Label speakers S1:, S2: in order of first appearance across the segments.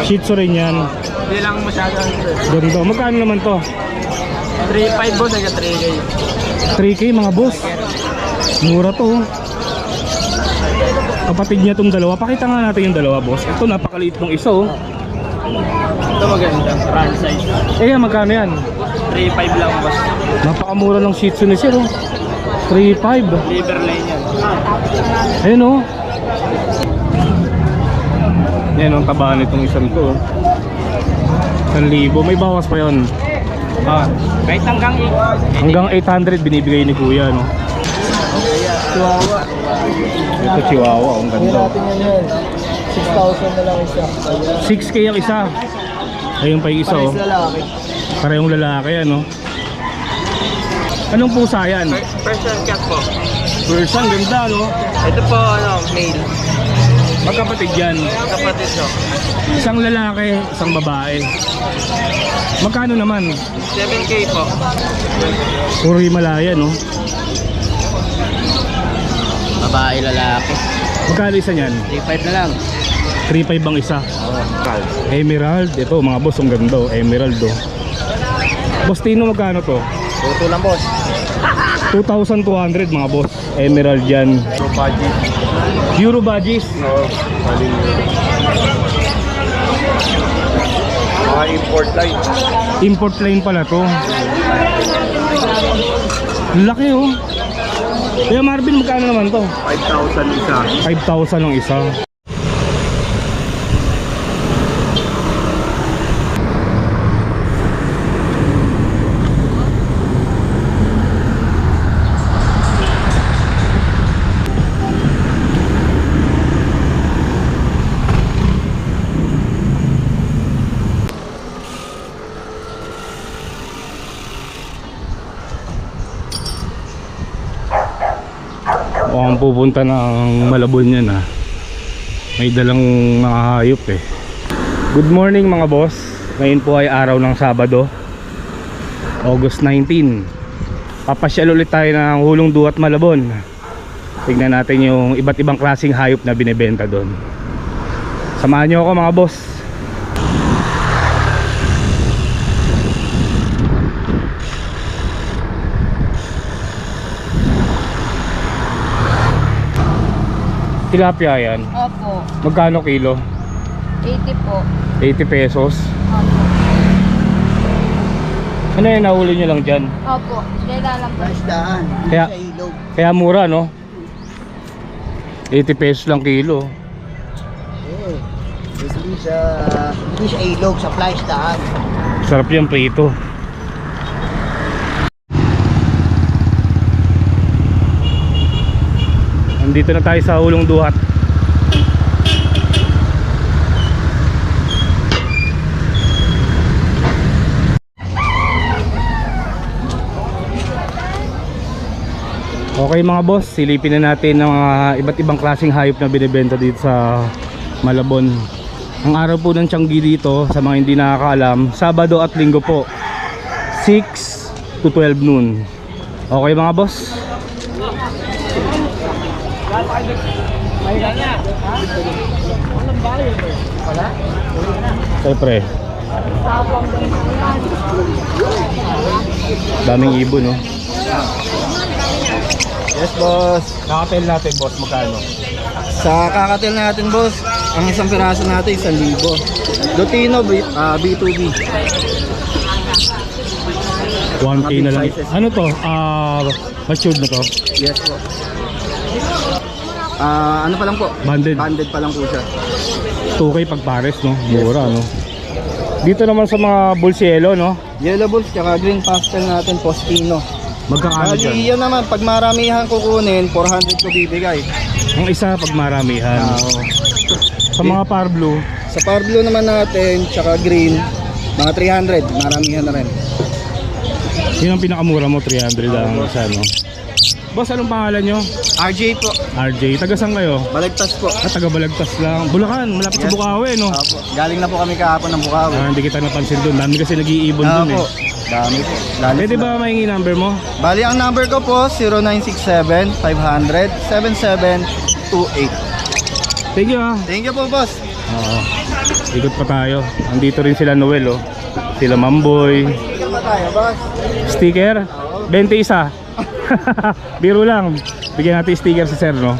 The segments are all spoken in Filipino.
S1: Shih Tzu rin yan.
S2: Hindi lang masyado.
S1: Ganda. Magkano naman to?
S2: 3.5 boss, hanggang 3K.
S1: 3K mga boss. Mura to. Kapatid niya itong dalawa. Pakita nga natin yung dalawa boss. Ito napakaliit ng isa oh.
S2: Ito maganda, run size.
S1: Eh magkano yan?
S2: 3.5 lang boss.
S1: Napakamura ng Shih Tzu ni Sir oh. 3.5.
S2: Liver line yan.
S1: Ayun oh. Yan ang taba nitong isang to oh. 1,000. May bawas pa yun.
S2: Kahit hanggang 8.
S1: Hanggang 800 binibigay ni Kuya no.
S2: Chihuahua.
S1: Ito Chihuahua, ang ganda.
S2: Natin yan. 6,000 na lang isa.
S1: 6K ang isa. Ayun pa yung isa oh.
S2: Lalaki.
S1: Parehong lalaki ano. Anong pusa yan?
S2: Persian cat po.
S1: Persian, ganda no.
S2: Ito po male.
S1: Magkapatid yan.
S2: Kapatid no.
S1: Isang lalaki, isang babae. Magkano naman?
S2: 7K po.
S1: Puro Himalaya no.
S2: Babae lalaki.
S1: Magkano isa niyan?
S2: 3.5 na lang.
S1: 3.5 ang isa. Emerald, ito mga boss, ang ganda oh. Emerald oh. Boss Tino, magkano to?
S2: Tuto lang boss.
S1: 2,200 mga boss. Emerald yan. Euro Badges.
S2: Mga import line.
S1: Import line pala to. Laki oh. Kaya Marvin, magkano naman to?
S2: 5,000 isa.
S1: 5,000 ang isa. Mukhang pupunta ng Malabon yan ha. May dalang mga hayop eh. Good morning mga boss. Ngayon po ay araw ng Sabado, August 19. Papasyal ulit tayo ng Hulong Duat Malabon. Tignan natin yung iba't ibang klaseng hayop na binibenta doon. Samahan nyo ako mga boss. Tilapia yan.
S3: Opo.
S1: Magkano kilo?
S3: 80 po.
S1: 80 pesos.
S3: Opo.
S1: Ano yan, nahuli nyo lang dyan?
S3: Opo. Kaya lang po.
S2: Isdaan.
S1: Kaya, kaya mura no? 80 pesos lang kilo.
S2: Hindi siya ilog sa fly isdaan.
S1: Sarap yan prito. Nandito na tayo sa Hulong Duhat. Okay mga boss, silipin na natin ng mga iba't ibang klaseng hayop na binibenta dito sa Malabon. Ang araw po ng Tianggi dito, sa mga hindi nakakaalam, Sabado at Linggo po, 6 to 12 noon. Okay mga boss? Siyempre daming ibon no.
S2: Yes boss.
S1: Kakatel natin boss, magkano?
S2: Sa kakatil natin boss, ang isang piraso natin 1,000. Lutino B2B.
S1: 1K na lang. Ano to? Matured na to?
S2: Yes po. Ano pa lang po?
S1: Banded.
S2: Banded pa lang po siya.
S1: 2K pag pares no? Mura no? Dito naman sa mga Bulsielo no?
S2: Yellow balls tsaka green pastel natin Postino.
S1: Magkakano
S2: Bali
S1: dyan?
S2: yan naman, pag maramihan kukunin, 400 ko bibigay.
S1: Ang isa pag maramihan.
S2: Oo.
S1: Sa mga par blue,
S2: Sa power blue naman natin, tsaka green, mga 300, maramihan na rin.
S1: yun ang pinakamura mo, 300 lang isa no? Boss, anong pangalan nyo?
S2: RJ po,
S1: RJ, taga saan kayo?
S2: Balagtas po.
S1: Taga Balagtas lang. Bulacan, malapit sa
S2: Yes.
S1: Bukawi no?
S2: Opo. Galing na po kami kahapon ng Bukawi.
S1: Hindi kita napansin doon. Dami kasi nag-iibon doon eh.
S2: Opo. Dami po. Lalo
S1: Pwede
S2: sila.
S1: ba mahingi number mo?
S2: Bali, ang number ko po, 0967-500-7728.
S1: Thank you ah.
S2: Thank you po, boss.
S1: Oo. Ikot pa tayo. Andito rin sila Noel, oh. Sila Mamboy.
S2: Sticker pa tayo, boss.
S1: Sticker? 21. Biro lang. Bigyan natin sticker si sir, no?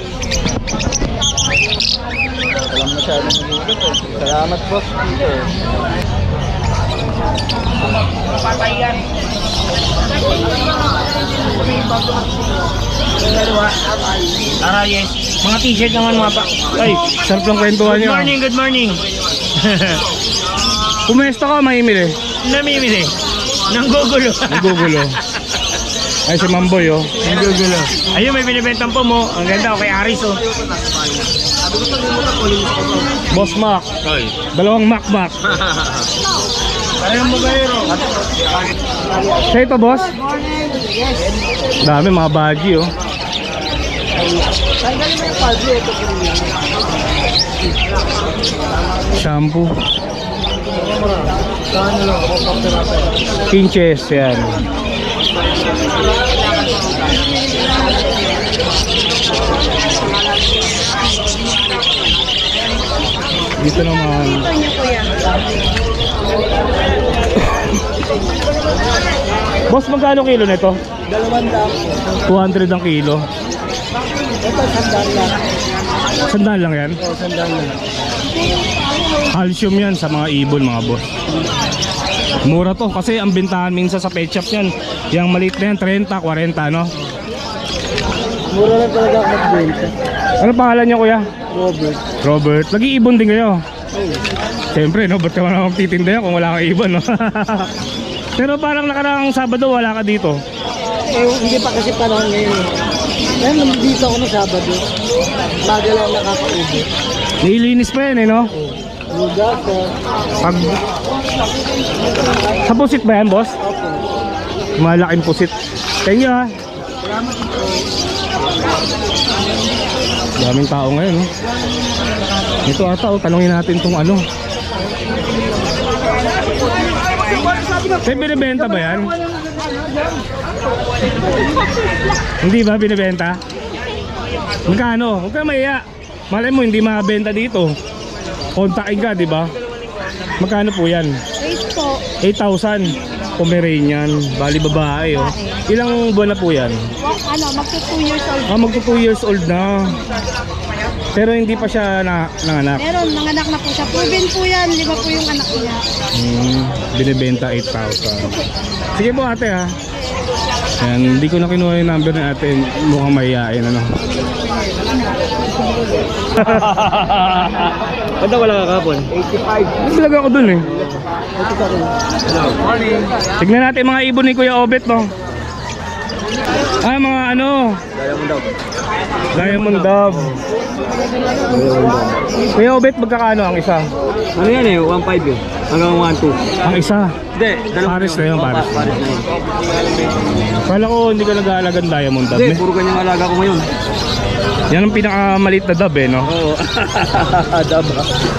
S2: Alam masyadong mag-ikot eh. Salamat, boss. Sticker.
S4: Yes. Mga t-shirt naman mga pa.
S1: Ay, sarap lang kwentuhan
S4: Good
S1: nyo.
S4: morning, good morning.
S1: Pumesto ka, mahimili.
S4: Namimili. Nanggugulo.
S1: Nagugulo. Ay, si Mamboy, oh.
S4: Nanggugulo. Ayun, may binibentang po mo. Ang ganda, okay, Aris, oh.
S1: Boss Mac. Dalawang Mac.
S4: Parang mabayero.
S1: Sa ito, boss? Dami, mga baggy, oh.
S2: Tanggalin mo yung paldo. Ito po rin.
S1: Shampoo.
S2: Saan nyo lang ako pagpapirata.
S1: Pinches, yan. Dito naman. Boss, magkano kilo nito?
S2: 200
S1: 200 ang kilo.
S2: Ito, 100 lang.
S1: Sandaan lang yan.
S2: Oo, 100 lang.
S1: Calcium yan sa mga ibon, mga boss. Mura to kasi ang bintahan minsan sa pet shop yan. Yung maliit na yan, 30, 40, no?
S2: Mura lang talaga ako magbenta.
S1: Ano pangalan niya, kuya?
S2: Robert.
S1: Robert. Nag-iibon din kayo.
S2: Oh.
S1: Siyempre, no? Ba't ka man akong titinda yan kung wala kang ibon, no? Pero parang nakaraang Sabado, wala ka dito.
S2: Eh, hindi pa kasi panahon ngayon eh. Ngayon, nandito ako ng Sabado. Baga lang nakakaubo.
S1: Nililinis pa yan, eh, no?
S2: Lugas ko.
S1: Pag... Sa pusit ba yan, boss?
S2: Okay.
S1: Malaking pusit. Thank you, ha?
S2: Salamat po.
S1: Daming tao ngayon, no? Ito ata, oh, tanongin natin tong ano. May binibenta ba yan? Hindi ba binibenta? Magkano? Huwag ka maiya. Malay mo hindi mabenta dito. Kontakin ka, di ba? Magkano po yan?
S3: 8 po.
S1: 8,000. Pomeranian. Bali babae, oh. Ilang buwan na po yan?
S3: Magto 2 years old.
S1: Ah, magto 2 years old na. Pero hindi pa siya nanganak.
S3: Meron, nanganak na po siya. Proven po yan. 5 po yung anak niya.
S1: Binibenta 8,000. Sige po ate, ha. Yan, hindi ko na kinuha yung number ng ate. Mukhang mahihain, ano.
S4: Ba't wala ka kapon?
S2: 85.
S1: Talaga ako dun, eh.
S2: Ito pa rin.
S4: Morning.
S1: Tignan natin mga ibon ni Kuya Obet, no. Ah, mga ano,
S4: Kaya mo daw.
S1: Diamond Dove. Kuya Obet, magkakano ang isa?
S4: Ano yan eh? 1.5 eh. Hanggang 1.2.
S1: Ang isa.
S4: Hindi.
S1: Pares na yun, pares.
S4: Pares na yun.
S1: Kala ko hindi ka nag-aalagang Diamond Dove,
S4: Hindi,
S1: eh.
S4: puro ganyang alaga ko ngayon.
S1: Yan ang pinakamaliit na dove, eh, no.
S4: Oo. Daba.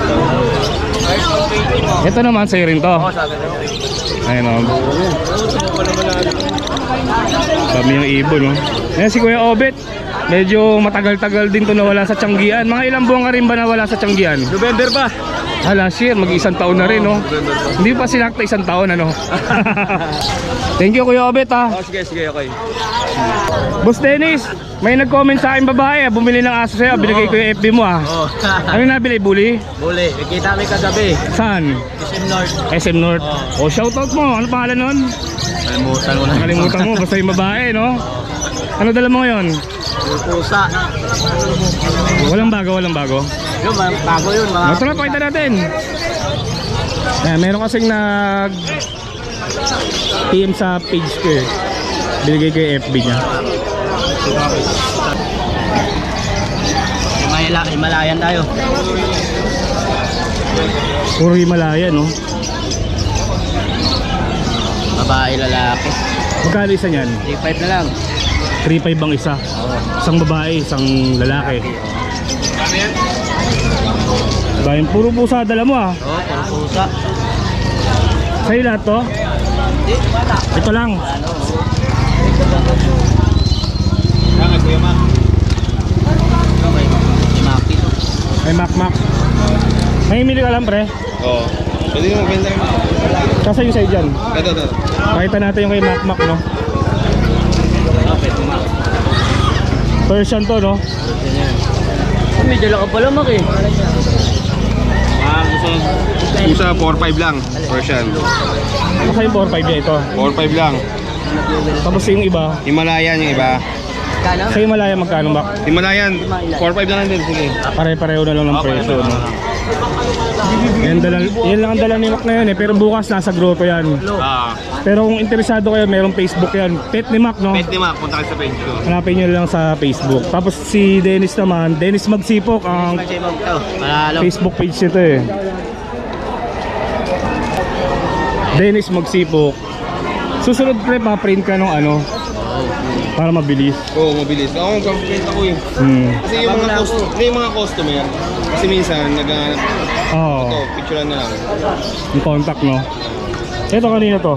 S1: Ito naman, sa'yo rin to.
S4: Oo, sabi na.
S1: Ayun, no. Dami yung ibon, no. Yan si Kuya Obet. Medyo matagal-tagal din to nawala sa Tianggian. Mga ilang buwan ka rin ba nawala sa Tianggian?
S4: November pa.
S1: Ah, last year, mag-isang taon na rin, no? Hindi pa sinakta isang taon, ano? Thank you, Kuya Obet, ha?
S4: Oh, sige, okay.
S1: Boss Dennis, may nag-comment sa akin babae, bumili ng aso sa'yo, binigay ko yung FB mo, ha?
S4: Oh.
S1: Ano yung nabili, bully?
S4: Buli. Nakita kami kagabi.
S1: Saan?
S4: SM North.
S1: SM North. Oh, shoutout mo. Ano pangalan nun?
S4: Kalimutan ko na.
S1: Nakalimutan mo, basta yung babae, no? Ano dala mo ngayon?
S4: Pusa.
S1: Walang bago.
S4: Yun, bago yun. Mga
S1: Tara, pakita natin. Ayan, meron kasing nag PM sa page ko, eh. Binigay ko yung FB niya.
S4: Himalayan tayo.
S1: Puro Himalaya, no?
S4: Babae, lalaki.
S1: Magkano isa niyan?
S4: 3.5 na lang.
S1: 3.5 ang isa. Isang babae, isang lalaki. Bayan, puro pusa dala mo, ah.
S4: Oo, puro pusa.
S1: Sa'yo lahat to? Ito lang.
S4: Okay, Maki.
S1: Ay, Mac. Nangimili ka lang, pre.
S2: Oo. Pwede mo magbenta rin.
S1: Kasi yung sa'yo dyan.
S2: Ito.
S1: Pakita natin yung kay Mac, no? Persian to, no?
S2: May dala ka pala, Mak eh. Gusto 4-5 lang. Persian.
S1: Kasi yung 4-5 niya ito.
S2: 4-5 lang.
S1: Tapos yung iba,
S2: Himalayan yung iba.
S1: sa Himalaya magkano ba?
S2: Himalayan, 4-5 lang din. Sige.
S1: Pare-pareho na lang ng presyo, no? Yan lang ang dala ni Mac na yun eh. Pero bukas nasa grotto yan. Pero kung interesado kayo, merong Facebook yan. Pet ni Mac, no?
S2: Pet ni Mac, punta kayo sa page ko.
S1: Hanapin nyo lang sa Facebook. Tapos si Dennis naman, Dennis Magsipok, ang Facebook page nito eh. Dennis Magsipok. Susunod pre, pa-print ka nung ano para mabilis.
S2: Oo, mabilis. Ako, magpapakita ko eh. Kasi yung mga customer, kasi minsan, naghahanap
S1: Oo.
S2: ito, picturean na lang.
S1: Yung contact, no? Ito kanina to.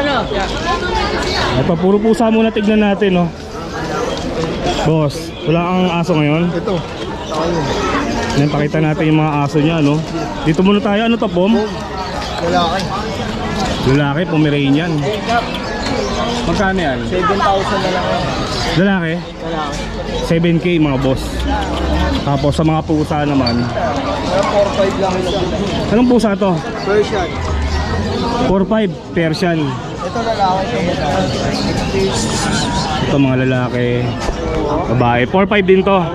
S1: Ito, puro pusa muna tignan natin, no? Boss, wala kang aso ngayon?
S2: Ito.
S1: Yan, pakita natin yung mga aso niya, no? Dito muna tayo. Ano to, Pom?
S2: Lalaki.
S1: Lalaki, Pomeranian. Magkano yan?
S2: 7,000 na lang.
S1: Lalaki? 7K mga boss. Tapos sa mga pusa naman,
S2: 4-5 lang isa.
S1: anong pusa to?
S2: Persian.
S1: 4-5 Persian.
S2: Ito lalaki.
S1: Ito mga lalaki, babae. 4-5 din to.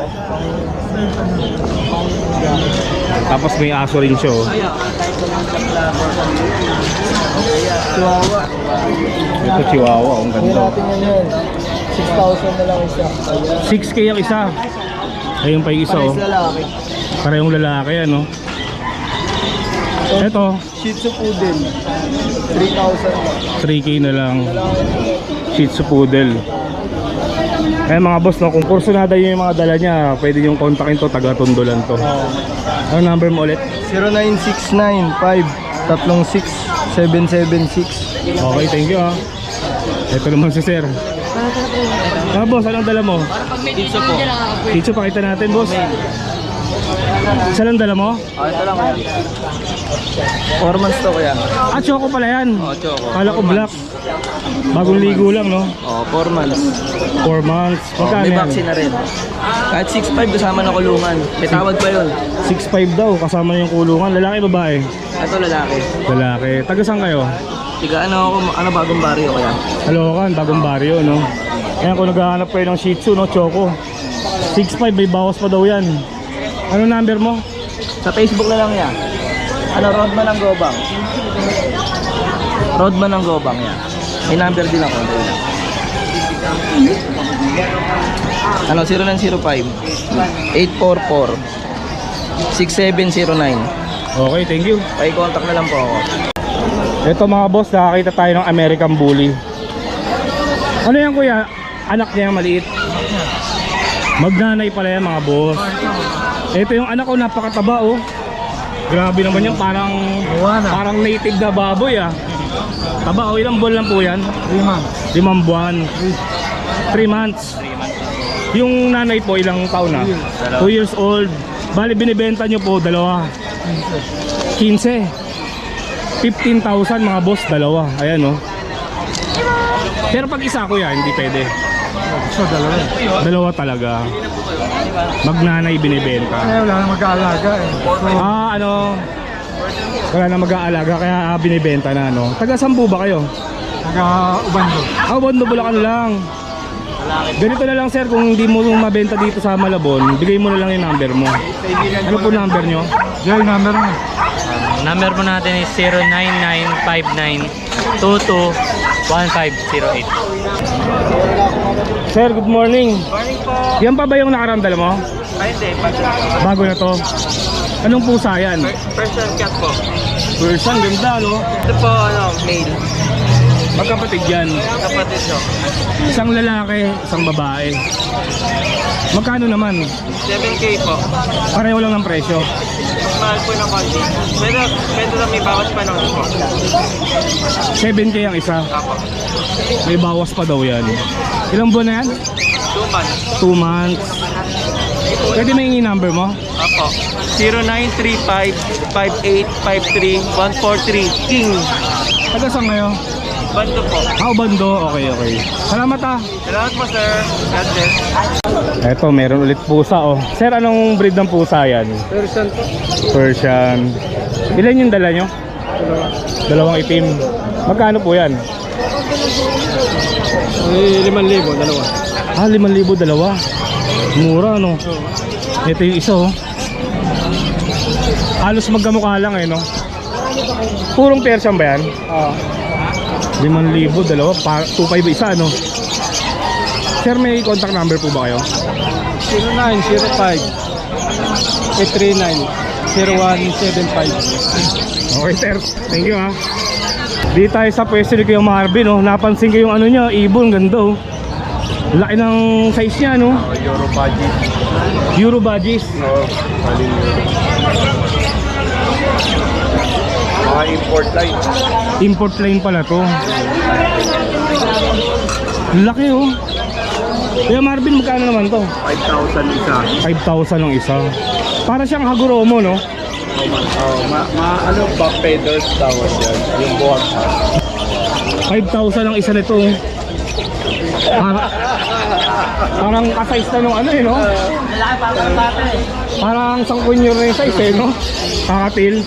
S1: Tapos may aso rin siya, oh.
S2: Chihuahua.
S1: Ito Chihuahua, ang ganda.
S2: yan. 6,000 na lang isa.
S1: 6K ang isa. Ayun pa yung isa, oh.
S2: Lalaki.
S1: Parehong lalaki, ano. Ito,
S2: Shih Tzu Poodle. 3,000 lang.
S1: 3K na lang. Shih Tzu Poodle. Eh mga boss, no, kung kursunada nyo yung mga dala niya, pwede yung kontakin to, taga Tondo lang to. Ano number mo ulit?
S2: 0969-536-776.
S1: Okay, thank you, ah. Ito naman si sir. Ah, boss, anong dala mo?
S2: Pizza po.
S1: Dito pakita natin, boss. Isa lang dala mo?
S2: Ito lang kaya. 4 months to kaya.
S1: Ah, choco pala yan.
S2: Choco.
S1: Kala ko black. Bagong ligo lang, no?
S2: 4 months.
S1: 4 months. Magkano
S2: May
S1: yan?
S2: vaccine na rin. Kahit 6,500 kasama na kulungan. May tawad pa yun.
S1: 6'5 daw, kasama yung kulungan. Lalaki, babae?
S2: Ito lalaki.
S1: Lalaki. Taga saan kayo?
S2: Tiga bagong baryo kaya.
S1: Halokan, bagong baryo, no? Ayan, kung naghahanap kayo ng Shih Tzu, no? Choco. 6'5, may bawas pa daw yan. Ano number mo?
S2: Sa Facebook na lang yan. Rodman ng Gobang. Rodman ng Gobang yan. May number din ako. 0905-844-6709.
S1: Okay, thank you.
S2: Paki-contact na lang po ako.
S1: Ito mga boss, nakakita tayo ng American Bully. Ano yan kuya? Anak niya yung maliit. Magnanay pala yan mga boss. Ito yung anak ko, napakataba, oh. Grabe naman yan, parang native na baboy, ah. Taba, oh, ilang buwan lang po yan? 5 buwan. 3 months. Yung nanay po, ilang taon na? 2 years old. Bali, binibenta nyo po, dalawa. 15. 15,000 mga boss, dalawa. Ayan, oh. Pero pag isa ko yan, hindi pwede. Dalawa talaga. Magnanay binibenta.
S2: Wala na mag-aalaga eh.
S1: Wala na mag-aalaga kaya binibenta na, no. Taga Sambu ba kayo?
S2: Taga-Ubando.
S1: Ubando, Bulacan lang. Ganito na lang sir, kung hindi mo mabenta dito sa Malabon, bigay mo na lang yung number mo. Ano po number nyo?
S2: Yung number mo.
S5: Number po natin is 09959221508.
S1: Sir, good morning. Yan pa ba yung nakarandal mo?
S5: Ay, hindi.
S1: Bago na to. Anong pusa yan?
S5: Persian cat po.
S1: Persian, ganda, no?
S5: Ito po, male.
S1: Magkapatid yan.
S5: Kapatid nyo.
S1: Isang lalaki, isang babae. Magkano naman?
S5: 7K po.
S1: Pareho lang ng presyo.
S5: Mas mahal po ng konti. Pwede lang may bawas pa naman po.
S1: 7K ang isa.
S5: Apo.
S1: May bawas pa daw yan. Ilang buwan na yan?
S5: 2 months.
S1: 2 months. Pwede may number mo?
S5: Apo. 0935-5853-143 King.
S1: Taga saan ngayon?
S5: Bando po.
S1: Bando. Okay. Salamat ah.
S5: Salamat po sir. God bless.
S1: Eto, meron ulit pusa oh. Sir, anong breed ng pusa yan?
S2: Persian po.
S1: Persian. Ilan yung dala nyo? Dalawang itim. Magkano po yan?
S2: Ay, 5,000, dalawa.
S1: 5,000 dalawa. Mura no. Ito yung isa oh. Halos magkamukha lang eh no. Purong Persian ba yan? 5,000 dalawa. 2,500 isa no. Sir, may contact number po ba kayo?
S2: 0905-839-0175.
S1: Okay sir, thank you ha. Di tayo sa pwesto ni Kuya Marvin oh. Napansin ko yung ano niya, ibon, ganda oh. Laki ng size niya no.
S2: Euro budget.
S1: Euro badges.
S2: Mga import line.
S1: Import line pala to. Laki oh. Kuya Marvin, magkano naman to?
S2: 5,000 isa.
S1: 5,000 ang isa. Para siyang Haguromo no.
S2: Ano ba pedals tawag yan? Yung buwag.
S1: 5,000 ang isa nito oh. Parang ka-size na nung ano eh no. Parang sangkunyor na yung size eh no. Kakatil.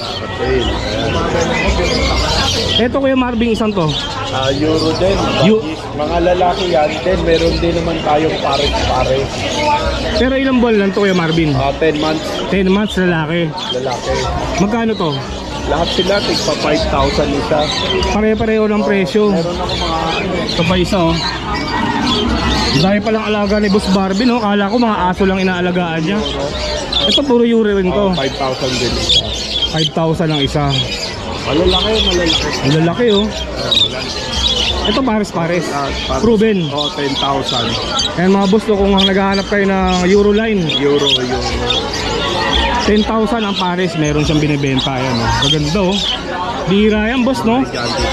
S1: Ito Kuya Marvin, isang to.
S2: Euro din. Mga lalaki yan din. Meron din naman tayong pares-pares.
S1: Pero ilang buwan lang to Kuya Marvin?
S2: 10 months
S1: 10 months lalaki.
S2: lalaki.
S1: Magkano to?
S2: Lahat sila tigpa 5,000 isa.
S1: Pare-pareho ng presyo.
S2: Meron ako mga
S1: Ito pa isa oh. Dahil palang alaga ni Boss Barbie no. Kala ko mga aso lang inaalagaan niya. Ito puro Euro rin to.
S2: 5,000 din isa.
S1: 5,000 ang isa.
S2: Malalaki.
S1: Ang lalaki oh. Ito pares-pares. Proven.
S2: 10,000.
S1: Ayan mga boss no, kung naghahanap kayo ng Euro line,
S2: Euro.
S1: 10,000 ang pares, meron siyang binibenta. Ayan oh. Maganda oh. Bira yan boss no.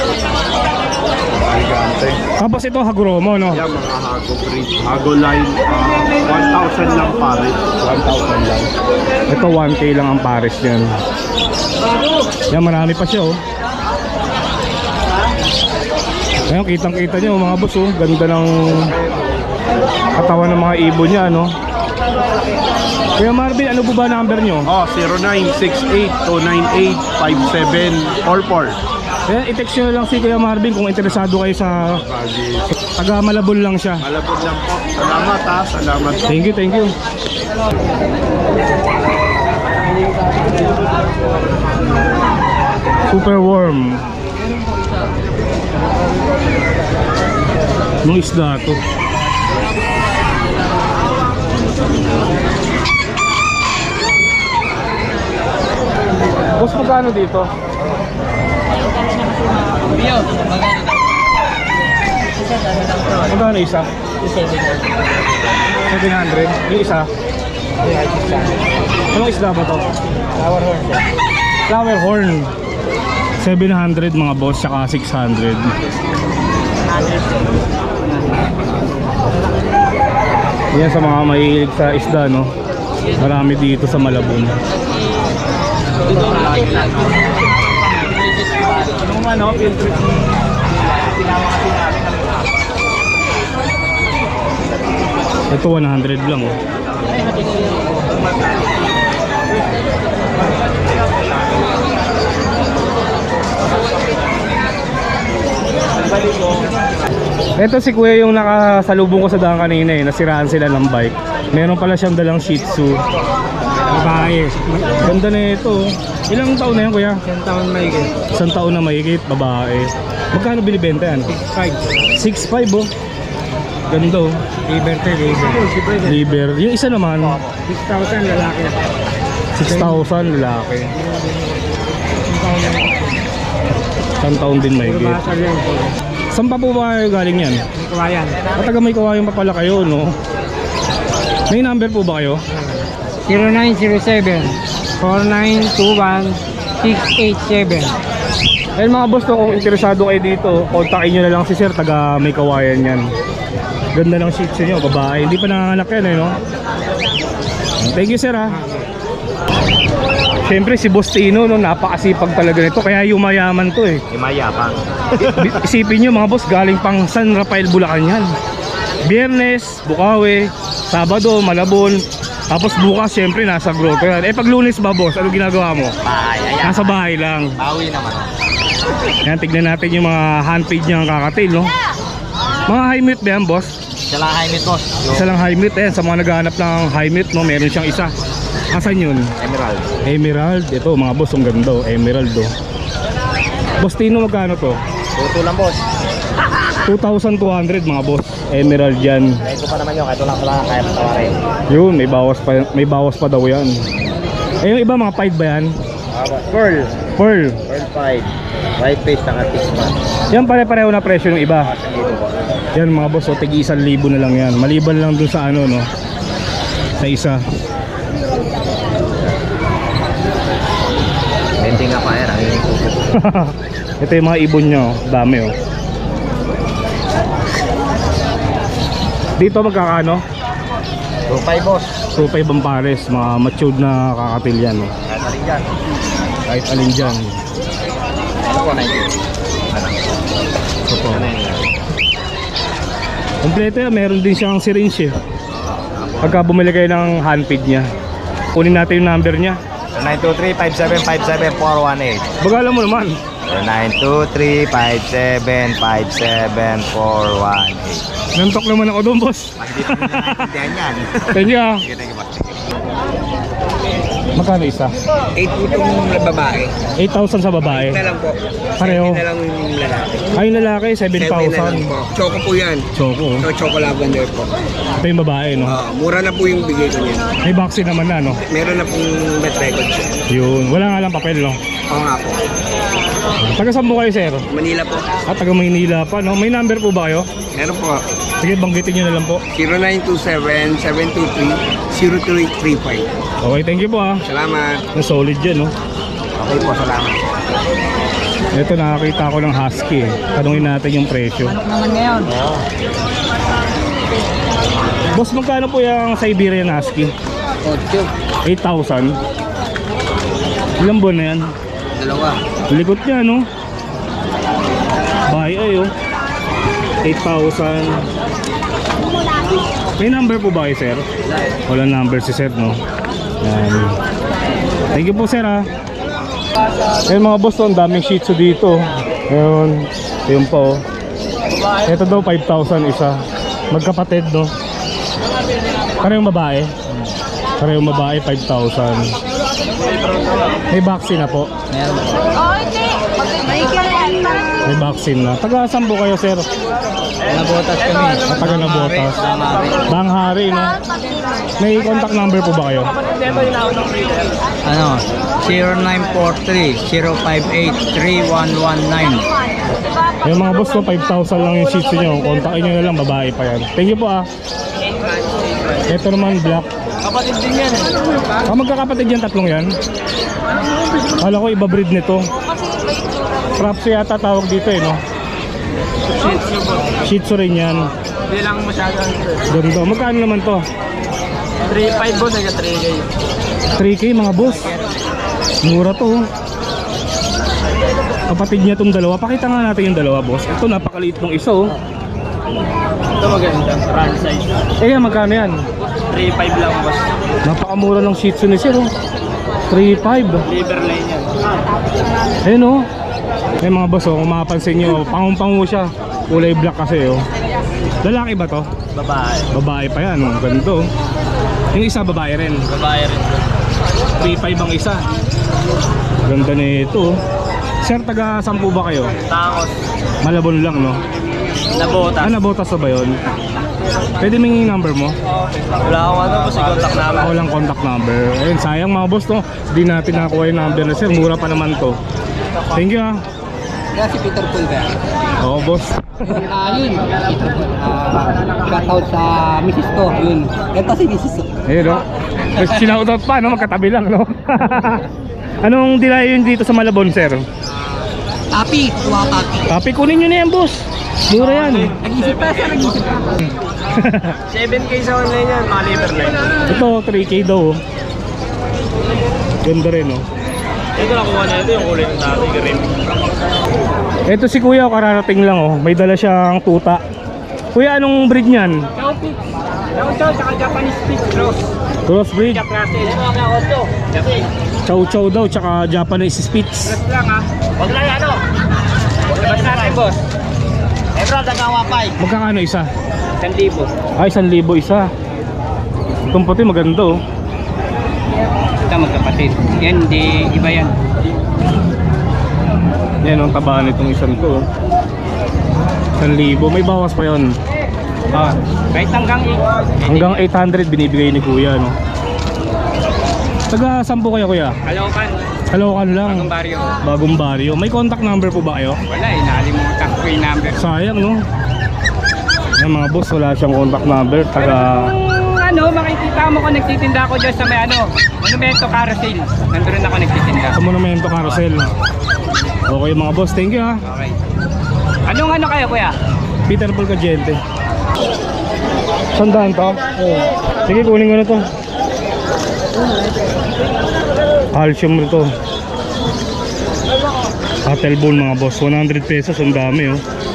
S2: Gigante.
S1: Tapos ito Haguromo no.
S2: Yan mga Hago breed. Hago line. 1,000 lang pare. 1,000 lang.
S1: Ito 1K lang ang pares niyan. Yan, marami pa siya oh. Ayan, kitang-kita nyo mga boss oh. Ganda ng katawan ng mga ibon niya no. Kuya Marvin, ano po ba number nyo?
S2: 0968-298-5744.
S1: Ayan, i-text nyo lang si Kuya Marvin kung interesado kayo sa taga Malabon lang siya.
S2: Malapot lang po. Salamat ha. Salamat.
S1: Thank you. Super warm. Nung isda to. Boss, magkano dito? Magkano isa? 700. Yung isa? Anong isda ba to? Flower horn. 700 mga boss, saka 600. Yan sa mga mahilig sa isda no. Marami dito sa Malabon. Ito 100 lang oh. Ito si Kuya yung nakasalubong ko sa daan kanina eh. Nasiraan sila ng bike. Meron pala siyang dalang Shih Tzu. Babae. Ganda na ito. Ilang taon na yan Kuya?
S2: 10 taon mahigit.
S1: Isang taon na mahigit, babae. Magkano binibenta yan? 6.5 oh. Ganda oh. Liver. Yung isa naman
S2: 6,000 lalaki.
S1: 6,000 lalaki. Isang taon din mahigit. Saan pa po ba kayo galing yan?
S2: Kawayan.
S1: Kataga may kawayan pa pala kayo no? May number po ba kayo?
S2: 0907-4921-687.
S1: Ayun mga boss, no, kung interesado kayo dito, kontakin nyo na lang si sir, taga may kawayan yan. Ganda ng Shih Tzu nyo, babae. Hindi pa nanganganak yan eh no? Thank you sir ha. Siyempre si Boss Tino, no, napakasipag talaga nito. Kaya yumayaman to eh.
S5: Imayapang.
S1: Isipin nyo mga boss, galing pang San Rafael, Bulacan yan. Biyernes, Bukawi, Sabado, Malabon. Tapos bukas siyempre nasa grotto yan. Pag Lunes ba boss, ano ginagawa mo?
S5: Bahay, ayan.
S1: Nasa bahay lang.
S5: Bawi naman.
S1: Yan, tignan natin yung mga handpage niya ng kakatil, no? Mga high mute ba yan boss?
S5: Siya lang high meat boss.
S1: Isa lang high mute, sa mga naghahanap ng high mute, no? Meron siyang isa. Asan yun?
S5: Emerald.
S1: Emerald. Ito mga boss, ang ganda, Emerald, oh. Boss Tino, magkano to?
S5: Tuto lang boss.
S1: 2,200 mga boss. Emerald yan.
S5: Kahit ko pa naman yun, kahit wala kaya patawarin.
S1: Yun, may bawas pa daw yan. Yung iba mga pied ba yan?
S5: Pearl.
S1: Pearl.
S5: Pearl 5. White face, naka 6 months.
S1: Yan pare-pareho na presyo ng iba.
S5: Dito po.
S1: Yan mga boss, tigi 1,000 na lang yan. Maliban lang dun sa ano, no? Sa isa.
S5: Hindi nga pa yan, ang hindi ko.
S1: Ito yung mga ibon nyo, dami, oh. Dito magkakano?
S5: 2.5 boss.
S1: 2.5 ang pares, mga matured na kakatil yan, oh.
S5: Kahit alin dyan.
S1: Kahit alin dyan.
S5: Ano po, 90?
S1: Ito po.
S5: Ano yun?
S1: Kompleto yan, meron din siyang syringe eh. Pagka bumili kayo ng handpid niya, kunin natin yung number niya.
S5: 923-5757-418.
S1: Bagalan mo naman.
S5: 923-5757-418.
S1: Nantok naman ako doon, boss.
S5: Hindi pa nila naintindihan yan.
S1: Thank you, ah.
S5: Sige, thank you, boss.
S1: Magkano isa?
S2: 8 po itong babae.
S1: 8,000 sa babae.
S2: Na lang po.
S1: Pareho.
S2: Na lang yung lalaki.
S1: Ay, yung lalaki,
S2: 7 na lang
S1: 7,000.
S2: po. Choco po yan.
S1: Choco, oh.
S2: So, choco lavender po.
S1: Ito yung babae, no?
S2: Mura na po yung bigay ko niya.
S1: May vaccine naman na, no?
S2: Meron na pong met record siya.
S1: Yun, wala nga lang papel, no?
S2: Oo nga po.
S1: Taga saan po kayo, sir?
S2: Manila po.
S1: At taga Maynila pa, no? May number po ba kayo?
S2: Meron po.
S1: Sige, banggitin nyo na lang po.
S2: 0927-723-0335.
S1: Okay, thank you po, ah.
S2: Salamat.
S1: Ang solid yan, no?
S5: Okay po, salamat.
S1: Ito, nakakita ko ng husky, eh. Tanungin natin yung presyo.
S2: Naman ngayon.
S1: Boss, magkano po yung Siberian Husky? 8,000. Ilang buwan na yan?
S2: Dalawa.
S1: Likot niya, no? Bahay ay, oh. 8,000. May number po ba kayo, sir? Wala number si sir, no? Yan. Thank you po, sir, ha. Ayun mga boss, ang daming shih tzu dito. Ayun. Ayun po, oh. Ito daw 5,000 isa. Magkapatid, no? Parehong babae. Parehong babae, 5,000. May vaccine na po. May vaccine na. Taga saan po kayo, sir?
S2: Nabotas kami.
S1: Taga Nabotas. Banghari, no? May contact number po ba kayo?
S2: Ano? 0943-058-3119.
S1: Yung mga boss ko, 5,000 lang yung shih tzu nyo. Kontakin nyo na lang, babae pa yan. Thank you po, ah. Ito naman, black.
S5: Kapatid din yan.
S1: Magkakapatid yan, tatlong yan. Kala ko iba breed nito. Props yata tawag dito, eh, no? Shih tzu rin yan.
S5: Hindi lang masyado.
S1: Ganda. Magkano naman to?
S5: 3.5 boss, hanggang 3K.
S1: 3K mga boss. Mura to, oh. Kapatid niya tong dalawa. Pakita nga natin yung dalawa, boss. Ito, napakaliit ng isa, oh.
S5: Ito maganda, franchise.
S1: Eh, magkano yan?
S5: 3.5 lang boss.
S1: Napakamura ng shih tzu ni sir, oh. 3.5.
S5: Liver line yan.
S1: Ayun, oh. Eh mga boss, oh, kung mapapansin nyo, pangung-pangu siya. Kulay black kasi, oh. Lalaki ba to?
S5: Babae.
S1: Babae pa yan, oh. Ganito, oh. Yung isa babae rin.
S5: Babae rin.
S1: 3.5 ang isa. Ganda na ito, oh. Sir, taga saan po ba kayo?
S5: Tangos.
S1: Malabon lang, no?
S5: Nabotas.
S1: Nabotas na ba yun? Pwede may number mo?
S5: Wala akong ano boss, i-contact namin.
S1: Walang contact number. Ayun, sayang mga boss, no? Hindi natin nakakuha yung number na sir. Mura pa naman to. Thank you, ah.
S2: Kaya si Peter Paul ba?
S1: Oo, boss.
S2: Yun. Shoutout sa Mrs. to. Yun. Ito si Mrs. to.
S1: Ayun, no? Sinautot pa, no? Magkatabi lang, no? Anong dilayo yun dito sa Malabon, sir?
S2: Tapi. Kuha tapi.
S1: Tapi, kunin nyo na yan, boss. Mura yan.
S2: Nag-isip pa siya. Nag-isip pa.
S5: 7K sa online yan, mga liver line.
S1: Ito, 3K daw, oh. Ganda rin, oh.
S5: Ito nakuha na ito yung kulay ng dati, green.
S1: Ito si kuya, kararating lang oh. May dala siyang tuta. Kuya, anong breed niyan?
S5: Chow Pig. Chow tsaka Japanese Pig cross.
S1: Cross breed.
S5: Jack Russell. Ito mga auto. Japanese.
S1: Chow chow daw, tsaka Japanese Spitz.
S5: Cross lang ha. Huwag lang ano. Labas natin boss. Ebro, dagawa 5.
S1: Magkakano isa?
S5: 1,000.
S1: Ay, 1,000 isa. Itong puti maganda oh.
S5: Ito magkapatid. Yan, di iba yan.
S1: Yan ang taba nitong isang to oh. 1,000. May bawas pa yon.
S5: Ah, kahit
S1: Hanggang 800 binibigay ni kuya no. Taga saan po kayo kuya?
S5: Kalokan.
S1: Kalokan lang.
S5: Bagong baryo.
S1: Bagong baryo. May contact number po ba kayo?
S5: Wala eh, nakalimutan ko yung number.
S1: Sayang no. Yan mga boss, wala siyang contact number. Taga
S5: Ano, makikita mo kung nagtitinda ako dyan sa may ano, Monumento Carousel. Nandun ako nagtitinda.
S1: sa Monumento Carousel. Okay mga boss, thank you ha.
S5: Okay. Anong ano kayo kuya?
S1: Peter Paul Cagente. Sandaan to? Sige, kunin ko na to. Calcium nito. Attelbone mga boss, 100 pesos, ang dami oh.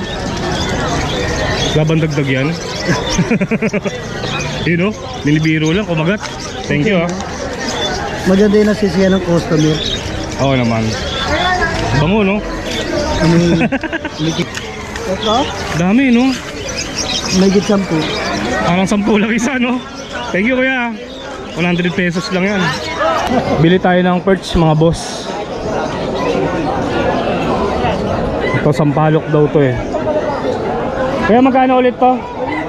S1: Laban dagdag yan. Yun oh, nilibiro lang, kumagat. Thank you ah.
S2: Maganda yung nasisiyan ng customer.
S1: Oo naman. Bango no?
S2: Ito,
S1: Dami no?
S2: may git 10.
S1: Parang 10 lang isa no? Thank you kuya. 100 pesos lang yan. Bili tayo ng perch mga boss. Ito sampalok daw to eh. Kaya magkano ulit to?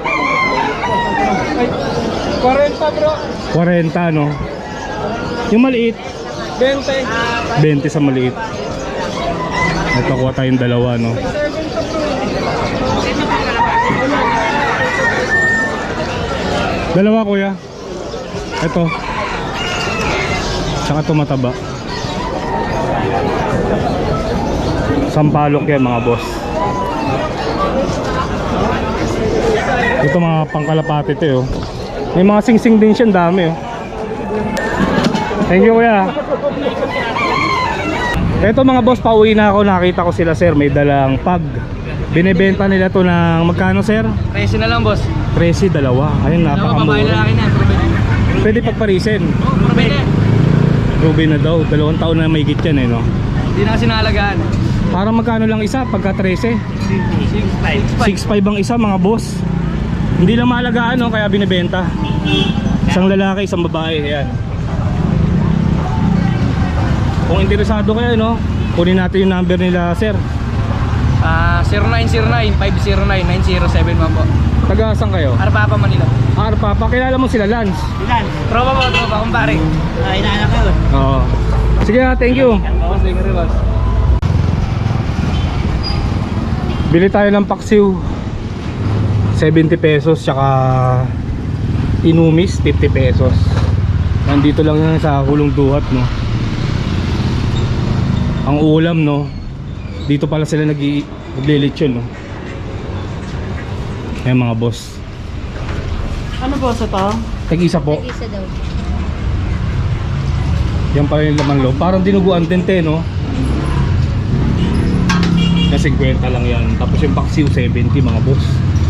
S5: 40 bro.
S1: 40 no? Yung maliit
S5: 20.
S1: 20 sa maliit. Ito kuha tayong dalawa no? Dalawa kuya. Ito. Tsaka ito mataba. Sampalok yan mga boss. Ito mga pangkalapati ito oh. May mga singsing din siya, dami oh. Thank you kuya. Ito mga boss, pauwi na ako. Nakita ko sila sir, may dalang pag. Binibenta nila to ng magkano sir?
S5: 13 na lang boss.
S1: 13, dalawa. Ayun, napakamura.
S5: na.
S1: Pwede pagparisin. Ruby na daw, 2 taon na may git yan eh no.
S5: Hindi na kasi naalagaan.
S1: Parang magkano lang isa pagka 13?
S5: 6.5.
S1: 6.5 ang isa mga boss. Hindi lang maalagaan no, kaya binibenta. Isang lalaki, isang babae. Ayan. Kung interesado kayo no, kunin natin yung number nila sir.
S5: 0909-509-9071 po.
S1: Taga saan kayo?
S5: Arpapa, Manila.
S1: Arpa, pakilala mo sila Lance.
S5: Ilan? Tropa po, kumpare. Inaanak ko.
S1: Oo. Sige ha, thank you.
S5: Boss, thank you boss.
S1: Bili tayo ng paksiw 70 pesos tsaka inumis 50 pesos. Nandito lang yan sa Hulong Duhat no. Ang ulam no, dito pala sila naglilitsyon no. Ayan mga boss.
S2: Ano po sa to?
S1: Tag-isa po.
S3: Isa daw.
S1: Yan pala yung laman loob. Parang dinuguan din te no. Na 50 lang yan. Tapos yung paksiw 70 mga boss.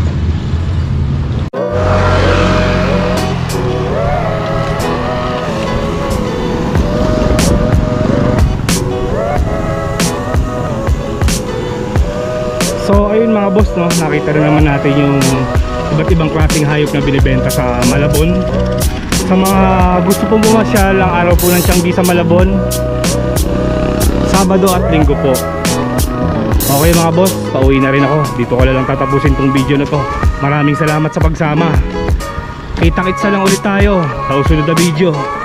S1: So ayun mga boss no, nakita rin naman natin yung iba't ibang klaseng hayop na binibenta sa Malabon. Sa mga gusto pong bumasyal, ang araw po ng Tianggi sa Malabon, Sabado at Linggo po. Okay mga boss, pauwi na rin ako. Dito ko lang tatapusin tong video na to. Maraming salamat sa pagsama. Kita-kitsa lang ulit tayo sa susunod na video.